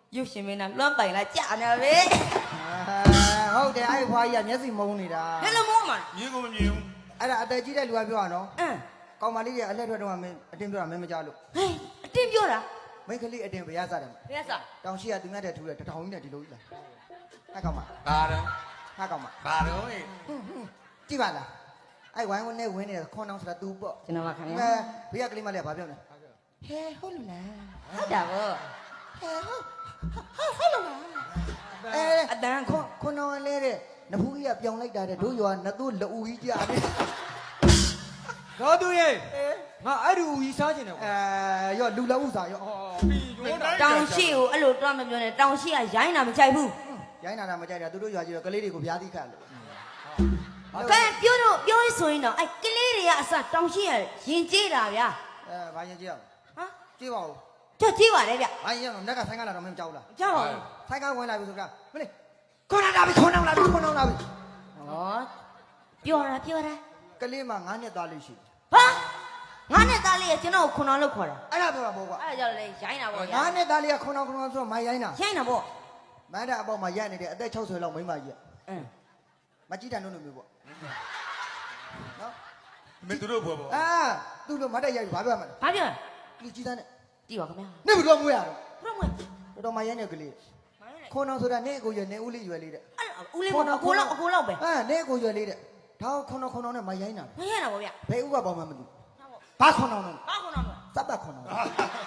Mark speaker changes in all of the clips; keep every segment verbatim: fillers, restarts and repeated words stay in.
Speaker 1: ရုပ်ရှင်မင်းသားလွမ်းပိုင်လာကြာနေပဲ
Speaker 2: ဟုတ်တယ်အဲ့ဖွားကြီးကမျက်စိမုန်းနေတာ
Speaker 1: ဟဲ့လို့မောမှာ
Speaker 3: မြင်ကိုမမြင်ဘူး
Speaker 2: အဲ့ဒါအသက်ကြီးတဲ့လူကပြောရနော်
Speaker 1: အင်း
Speaker 2: ကောင်မလေးတွေအလက်ထွက်တော့မင်းအတင်းပြောတာမင်းမကြလို့
Speaker 1: ဟဲ့အတင်းပြောတာ
Speaker 2: မိန်းကလေးအတင်းဘရားစားတယ်
Speaker 1: ဘယ်စား
Speaker 2: တောင်ရှိကသူများတဲ့ထူတယ်တထောင်ကြီးနဲ့ဒီလိုကြီးလားဟာကောင်မ
Speaker 3: ဘာတော့
Speaker 2: ဟာကောင်မ
Speaker 3: ဘာတော့ဟဲ့
Speaker 2: ကြည့်ပါလားအဲ့ဝိုင်းဝန်းနဲ့ဝင်းနေခွန်အောင်ဆိုတာ तू ပေါ့
Speaker 1: ကျွန်တော်ကခင်
Speaker 2: အဲ
Speaker 1: ဗျာ
Speaker 2: ဘေးကကလေးမလေးကဘာပြောလဲဟဲဟုတ်လို့လား
Speaker 1: ဟုတ်တာဗော
Speaker 2: ဟဲဟုတ်ဟုတ်လို့လားအဲ
Speaker 1: အတန်း
Speaker 2: ခွန်ခွန်အောင်လေးတဲ့နဖူးကြီးကပြောင်းလိုက်တာတဲ့တို့ရွာနသူ့လူကြီးကြားတယ်
Speaker 4: တော့သူရဲ့ငါအဲ့ဒီဦးကြီးစားကျင်တယ်ကွာ
Speaker 2: အဲရောလူလက်ဥစားရော
Speaker 4: ဟောပြီးရောတာ
Speaker 1: တောင်ရှိကိုအဲ့လိုတွားမပြောနဲ့တောင်ရှိကရိုင်းတာမကြိုက်ဘူး
Speaker 2: ရိုင်းနာတာမကြိုက်တာသူတို့ရွာကြီးတော့ကလေးတွေကိုဗျာသီးခတ်လို့
Speaker 1: ကဲပြောတော့ပြောရဆိုရင်တော့အဲ့ကလေးတွေကအစတောင်ရှိရရင်ကျေးတာဗျာ
Speaker 2: အဲဘာရင်ကြည့်အောင်
Speaker 1: ဟမ်
Speaker 2: ကြည့်ပါဦး
Speaker 1: ကြက်ကျေးပါတယ်ဗျ
Speaker 2: ဘာရင်တော့နက်ကဆိုင်ကလာတော့မင်းကြောက်လား
Speaker 1: ကြောက်ပါ
Speaker 2: ဆိုင်ကဝင်လာပြီဆိုကြမလေးခွန်အောင်လာပြီခွန်အောင်လာပြီခွန်အောင်လာပြီ
Speaker 1: ဟောပြောတာပြောတာ
Speaker 2: ကလေးမှငါးနှစ်သားလေးရှိ
Speaker 1: ဟာငါနဲ့သားလေးကကျွန်တော်ကိုခွန်အောင်လို့ခေါ်တာ
Speaker 2: အဲ့ဒါပြောတာပေါ့ကွာ
Speaker 1: အဲ့ဒါကြောင့်လေရိုင်းတာပေါ့
Speaker 2: ငါးနှစ်သားလေးကခွန်အောင်ခွန်အောင်ဆိုတော့မိုင်းရိုင်းတာ
Speaker 1: ရိုင်းတာပေါ့
Speaker 2: မန်းတဲ့အပေါက်မှာရက်နေတယ်အသက်၆၀လောက်မိန်းမကြီး
Speaker 1: အင်း
Speaker 2: မကြည့်တန်လို့လို့မျိုးပေါ့နော်
Speaker 3: မင်းတို့ဘွယ်ပေါ့
Speaker 2: အာသူ့လိုမတ်တက်ရိုက်ဘာပြောမှလဲ
Speaker 1: ဘာပြော
Speaker 2: လူကြီးသားနဲ့
Speaker 1: ကြည့်ပါခင်ဗျာ
Speaker 2: နေဘလို့မွေးရတော့
Speaker 1: ဘုရားမွေး
Speaker 2: တော်တော်မရိုင်းနေကလေးခွန်အောင်ဆိုတာနေအကိုရွယ်နေဦးလေးရွယ်လေးတဲ့
Speaker 1: အဲ့ဦးလေးကအကိုလောက်အကိုလောက်ပဲ
Speaker 2: အာနေအကိုရွယ်လေးတဲ့ဒါခွန်အောင်ခွန်အောင်နဲ့မရိုင်းတာ
Speaker 1: မရိုင်းတာပေါ့ဗျ
Speaker 2: ဘယ်ဥကပေါင်းမှမသိဘာခွန်အောင်လဲ
Speaker 1: ဘာခွန်အောင်လဲ
Speaker 2: စပ်ပတ်ခွန်အောင်
Speaker 3: ဟဲ့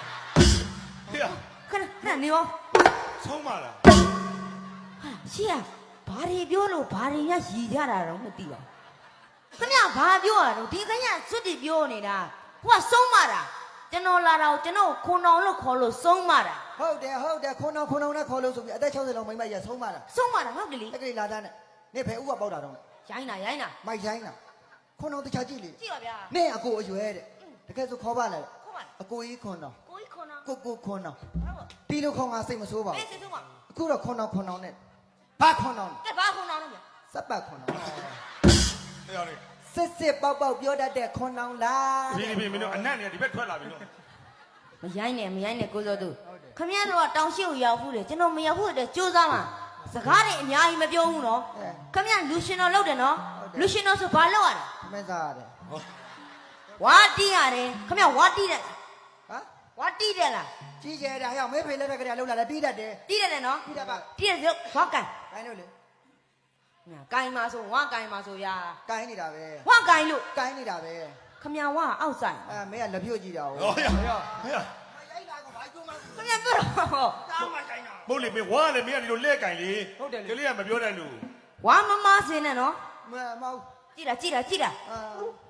Speaker 1: ခဏခဏနေရော
Speaker 3: ဆုံးပါလား
Speaker 1: ဟာရှေ့ကဘာတွေပြောလို့ဘာတွေညရည်ကြတာတော့မသိပါဘူးခင်ဗျာဘာပြောရတော့ဒီကညစွတ်တီပြောနေတာဟိုကဆုံးမတာကျွန်တော်လာတော့ကျွန်တော်ခွန်အောင်လို့ခေါ်လို့ဆုံးမတာ
Speaker 2: ဟုတ်တယ်ဟုတ်တယ်ခွန်အောင်ခွန်အောင်နဲ့ခေါ်လို့ဆိုပြီးအသက်၆၀လောက်မိန်းမကြီးဆုံးမတာ
Speaker 1: ဆုံးမတာဟုတ်ကလေး
Speaker 2: တက်ကလေးလာသားနဲ့နေဘယ်ဥကပေါက်တာတော့
Speaker 1: ရိုင်းတာရိုင်းတာ
Speaker 2: မိုက်ရိုင်းတာခွန်အောင်တခြားကြည့်လေ
Speaker 1: ကြည့်ပါဗျာ
Speaker 2: နေအကိုအရွယ်တဲ့တကယ်ဆိုခေါ်ပါလား
Speaker 1: ခုမှ
Speaker 2: အကိုကြီးခွန်အောင်
Speaker 1: ကိုကြီးခွန်အောင်
Speaker 2: ကိုကိုခွန်အောင်
Speaker 1: ဟုတ်ပါ
Speaker 2: တီလိုခေါင်ကစိတ်မဆိုးပါ
Speaker 1: အေး
Speaker 2: ဘူး
Speaker 1: စိတ်ဆုံးပါ
Speaker 2: အခုတော့ခွန်အောင်ခွန်အောင်နဲ့ဘာခွန်အောင်
Speaker 1: ကဲဘာခွန်အောင်လဲဗျာ
Speaker 2: စပ်ပတ်ခွန်အောင်
Speaker 3: ဟဲ့ရောက်နေ
Speaker 2: စစ်စစ်ပေါက်ပေါက်ပြောတတ်တဲ့ခွန်အောင်လား
Speaker 3: ဒီဒီမင်းတို့အနက်နေဒီဘက်ထွက်လာပြီနော်
Speaker 1: မရိုင်းနဲ့မရိုင်းနဲ့ကိုစောသူခမရတို့ကတောင်ရှိကိုရောက်ဘူးလေကျွန်တော်မရောက်ဘူးတဲ့ကြိုးစားမှာစကားတွေအများကြီးမပြောဘူးနော်ခမရလူရှင်တော်လုပ်တယ်နော်လူရှင်တော်ဆိုဘာလုပ်ရလဲ
Speaker 2: မင်းစားရတယ်
Speaker 1: ဝါတီးရတယ်ခမရဝါတီးတယ်
Speaker 2: ဟမ်
Speaker 1: ဝါတီးတယ်လား
Speaker 2: ကြီးကျယ်တာဟဲ့မေးဖေလက်ထက်ကလေးလှုပ်လာတယ်တီးတတ်တယ်
Speaker 1: တီးတယ်နော်
Speaker 2: တီးတတ်ပါ
Speaker 1: တီးတယ်ဆိုဝါကန်
Speaker 2: ကိုင်းလို့လေ
Speaker 1: ညာကိုင်းမှာဆိုဝါကိုင်းမှာဆိုရာ
Speaker 2: ကိုင်းနေတာပဲ
Speaker 1: ဝါကိုင်းလို့
Speaker 2: ကိုင်းနေတာပဲ
Speaker 1: ခမရဝါအောက်ဆိုင်
Speaker 2: အဲမင်းကလက်ပြုတ်ကြည့်တာ
Speaker 3: ဟော
Speaker 2: ဟုတ်
Speaker 3: ရဟဲ့
Speaker 1: ခမရပြောတော့
Speaker 3: မဟုတ်လေမင်းဝါလေမင်းကဒီလိုလက်ကင်လေကလေးကမပြောတတ်လို့
Speaker 1: ဝါမမစင်းနဲ့နော်
Speaker 2: မမဟုတ်
Speaker 1: ကြည့်တာကြည့်တာကြည့်တာ
Speaker 2: အာ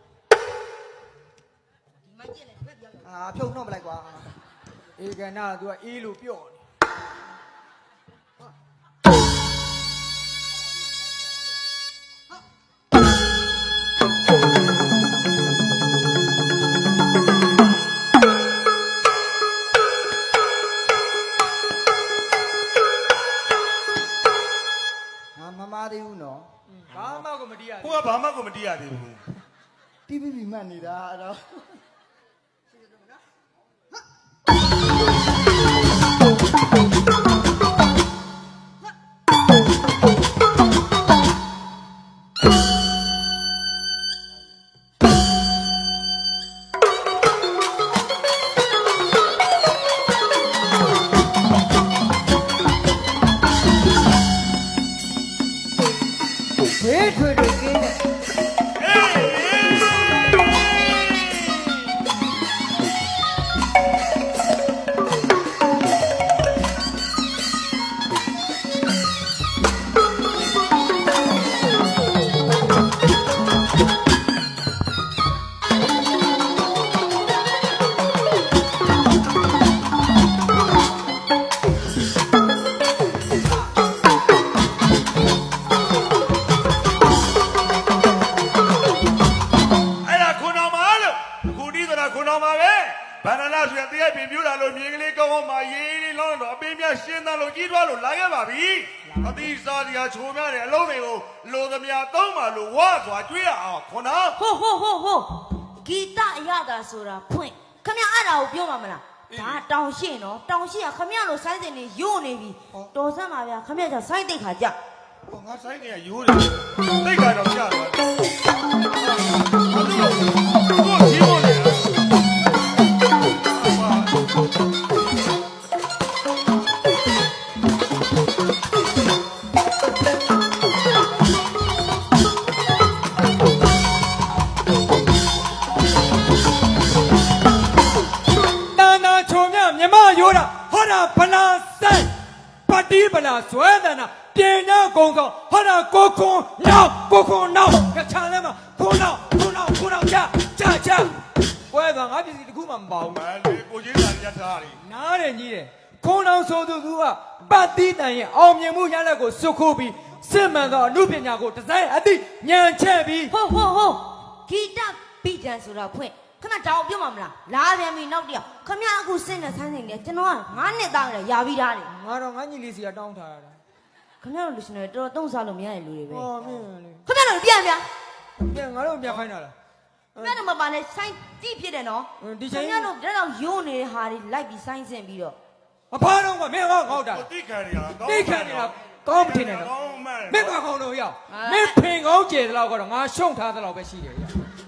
Speaker 1: ဒီမကြည့်လေဘက်ပြော
Speaker 2: အာဖြုတ်နှုတ်မလိုက်ကွာ
Speaker 4: အေကနာက तू ကအေးလို့ပြော့နေ
Speaker 2: ငါမမသေးဘူးနော်
Speaker 4: ဘာမှကိုမတီးရ
Speaker 3: ဟိုကဘာမှကိုမတီးရသေးဘူး
Speaker 2: တီးပြီးပြီးမှတ်နေတာအဲ့တော့ ဘေးထွေတွေကင်းတဲ့
Speaker 3: အဲ့ဒါခွန်တော်မှာလို့အခုဒီဆိုတာခွန်တော်မှာပဲဘာနာလာဆိုရတရားပြင်ပြလာလို့မြေကလေးကောင်းကောင်းမှရေးလေးလောင်းတော့အပင်းမြရှင်းသားလို့ကြီးထွားလို့လာခဲ့ပါပြီအသီးစားစရာချိုးများတယ်အလုံးတွေကိုလိုသမျှသုံးပါလို့ဝါစွာကျွေးရအောင်ခွန်တော်
Speaker 1: ဟိုဟိုဟိုဟိုဂီတအရသာဆိုတာဖွင့်ခမရအဲ့ဒါကိုပြောမှာမလားဒါတောင်ရှိနော်တောင်ရှိကခမရလို့ဆိုင်းစင်နေယို့နေပြီတော်စမ်းပါဗျာခမရကြောင့်ဆိုင်းတိတ်ခါကြ
Speaker 3: ဟောငါဆိုင်ကရိုးတယ်တိတ်ခါတော့ကြာတယ်ဘာလို့ကိုကြီးမို့လဲ
Speaker 4: ရိုးတာဟောတာဗလာဆိုင်ပတ်တီးဗလာဇွဲတန်တာပြင်ညာကုန်းကောင်ဟောတာကိုခွန်နောက်ကိုခွန်နောက်ကချာလဲမှာခွန်နောက်ခွန်နောက်ခွန်နောက်ချချချပွဲကငါပြည်စီတခုမှမပါဘူး
Speaker 3: မလေးကိုကြီးလာရထားတယ်
Speaker 4: နားတယ်ကြီးတယ်ခွန်နောက်ဆိုသူကပတ်တီးတန်ရဲ့အောင်မြင်မှုရလက်ကိုစုခိုးပြီးစစ်မှန်သောအမှုပညာကိုဒီဇိုင်းအသည့်ညံချက်ပြီး
Speaker 1: ဟုတ်ဟုတ်ဟုတ်ဂီတပီတန်ဆိုတာဖွင့်ခဏတောင်ပြောမှာမလားလာပြန်ပြီနောက်တယောက်ခမရအခုစင့်တဲ့ဆိုင်းစင်နေကျွန်တော်ကငါးနှစ်သားလေရာပြီးသားလေ
Speaker 4: ငါတော့ငါညီလေးစီကတောင်းထားရတာ
Speaker 1: ခမရတို့လူရှင်တွေတော်တော်သုံးစားလို့မရတဲ့လူတွေပဲ
Speaker 4: ဟောမင်းလေ
Speaker 1: ခမရတို့ပြန်ပြန်
Speaker 4: ပြန်ငါတို့ပြန်ခိုင်းတာလား
Speaker 1: ခမရတို့မပါနဲ့ဆိုင်းကြည့်ဖြစ်တယ်နော်ခမရတို့ဒါတော့ယိုးနေတဲ့ဟာတွေလိုက်ပြီးဆိုင်းစင်ပြီးတော့
Speaker 4: အဖားတော့ကမင်းဟောငေါ့တာ
Speaker 3: ကိုတိခံရတာ
Speaker 4: တိခံနေတာကောင်းမထင်နဲ့တော့
Speaker 3: ကောင်းမှန်
Speaker 4: မင်းကခေါင်းတော့ရောက်မင်းဖင်ကောင်းကျဲတဲ့လောက်ကတော့ငါရှုံထားတဲ့လောက်ပဲရှိတယ်ရ